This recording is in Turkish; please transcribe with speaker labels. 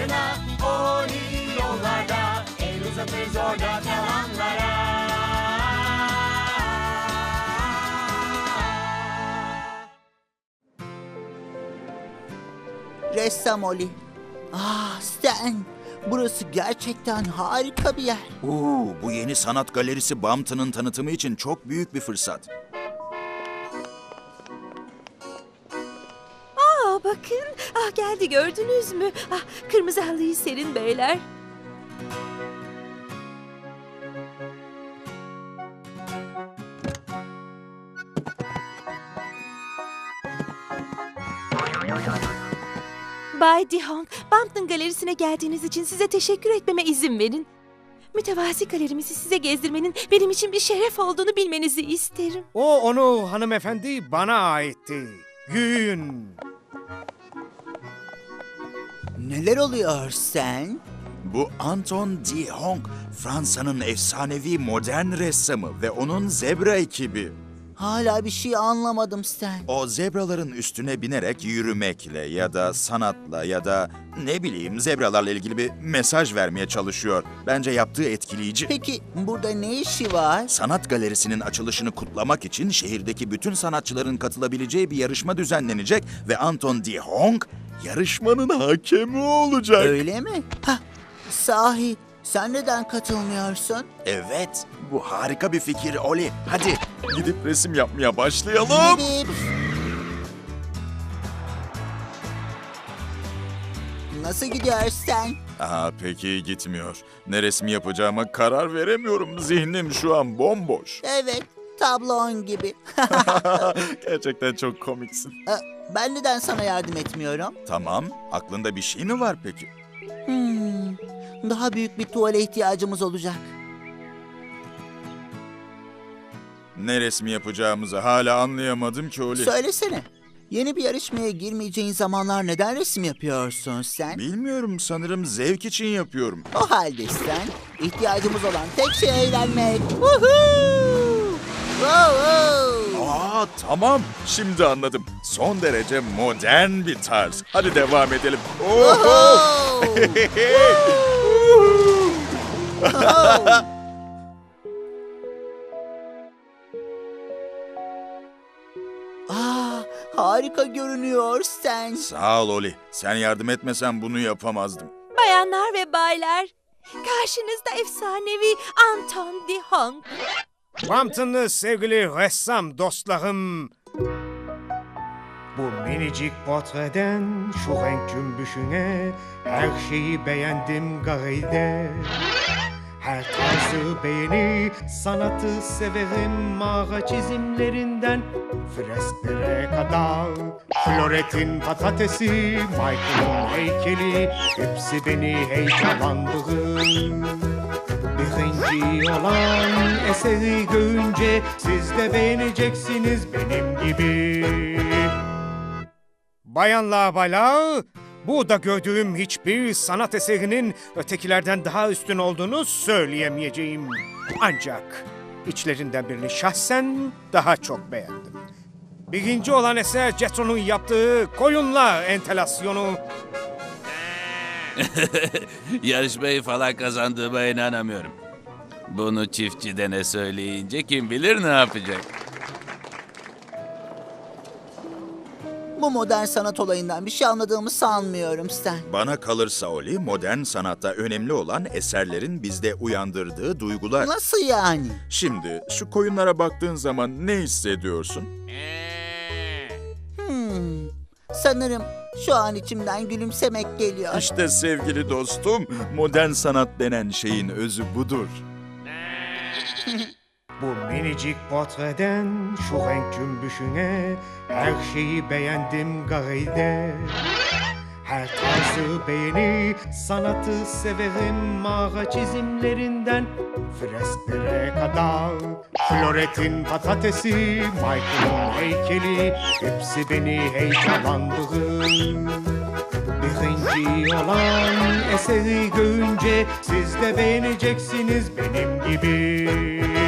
Speaker 1: fırtına, Oli yollarda, el uzatır zorda kalanlara.
Speaker 2: Ressam Oli. Stan, burası gerçekten harika bir yer.
Speaker 3: Bu yeni sanat galerisi Bampton'ın tanıtımı için çok büyük bir fırsat.
Speaker 4: Bakın. Geldi, gördünüz mü? Kırmızı halıyı serin beyler. Bay Dihong, Bampton Galerisi'ne geldiğiniz için size teşekkür etmeme izin verin. Mütevazi galerimizi size gezdirmenin benim için bir şeref olduğunu bilmenizi isterim.
Speaker 5: Onu hanımefendi bana aitti. Yürüyün.
Speaker 2: Neler oluyor Stan?
Speaker 3: Bu Anton de Hong, Fransa'nın efsanevi modern ressamı ve onun zebra ekibi.
Speaker 2: Hala bir şey anlamadım Stan.
Speaker 3: O zebraların üstüne binerek yürümekle ya da sanatla ya da ne bileyim zebralarla ilgili bir mesaj vermeye çalışıyor. Bence yaptığı etkileyici.
Speaker 2: Peki burada ne işi var?
Speaker 3: Sanat galerisinin açılışını kutlamak için şehirdeki bütün sanatçıların katılabileceği bir yarışma düzenlenecek ve Anton de Hong yarışmanın hakemi olacak.
Speaker 2: Öyle mi? Sahi sen neden katılmıyorsun?
Speaker 3: Evet, bu harika bir fikir Oli. Hadi gidip resim yapmaya başlayalım.
Speaker 2: Gidip. Nasıl gidiyor Stan?
Speaker 3: Peki gitmiyor. Ne resmi yapacağıma karar veremiyorum. Zihnim şu an bomboş.
Speaker 2: Evet, tablon gibi.
Speaker 3: Gerçekten çok komiksin.
Speaker 2: Ben neden sana yardım etmiyorum?
Speaker 3: Tamam, aklında bir şey mi var peki?
Speaker 2: Daha büyük bir tuvale ihtiyacımız olacak.
Speaker 3: Ne resmi yapacağımızı hala anlayamadım ki Oli.
Speaker 2: Söylesene, yeni bir yarışmaya girmeyeceğin zamanlar neden resim yapıyorsun sen?
Speaker 3: Bilmiyorum, sanırım zevk için yapıyorum.
Speaker 2: O halde sen, ihtiyacımız olan tek şey eğlenmek. Woohoo! Wow!
Speaker 3: Tamam, şimdi anladım. Son derece modern bir tarz. Hadi devam edelim.
Speaker 2: Woohoo! Harika görünüyor sen.
Speaker 3: Sağ ol Oli. Sen yardım etmesen bunu yapamazdım.
Speaker 4: Bayanlar ve baylar, karşınızda efsanevi Anton de Hong.
Speaker 5: Bampton'lı sevgili ressam dostlarım. Bu minicik portreden şu renk cümbüşüne her şeyi beğendim garide. Her tarzı beğeni, sanatı severim mağara çizimlerinden fresklere kadar. Floretin patatesi, Michael'ın heykeli, hepsi beni heyecanlandırır. Birinci olan eseri görünce siz de beğeneceksiniz benim gibi. Bayanlar baylar, burada gördüğüm hiçbir sanat eserinin ötekilerden daha üstün olduğunu söyleyemeyeceğim. Ancak içlerinden birini şahsen daha çok beğendim. Birinci olan eser Jethro'nun yaptığı koyunlar entelasyonu.
Speaker 6: Yarışmayı falan kazandığıma inanamıyorum. Bunu çiftçidene söyleyince kim bilir ne yapacak.
Speaker 2: Bu modern sanat olayından bir şey anladığımı sanmıyorum Stan.
Speaker 3: Bana kalırsa Oli, modern sanatta önemli olan eserlerin bizde uyandırdığı duygular.
Speaker 2: Nasıl yani?
Speaker 3: Şimdi şu koyunlara baktığın zaman ne hissediyorsun?
Speaker 2: Sanırım şu an içimden gülümsemek geliyor.
Speaker 3: İşte sevgili dostum, modern sanat denen şeyin özü budur.
Speaker 5: Bu minicik portreden şu renk cümbüşüne her şeyi beğendim garide. Her tarzı beğeni, sanatı severim mağara çizimlerinden fresklere kadar. Floretin patatesi, Michael'ın heykeli, hepsi beni heyecanlandırır. Birinci olan eseri görünce siz de beğeneceksiniz benim gibi.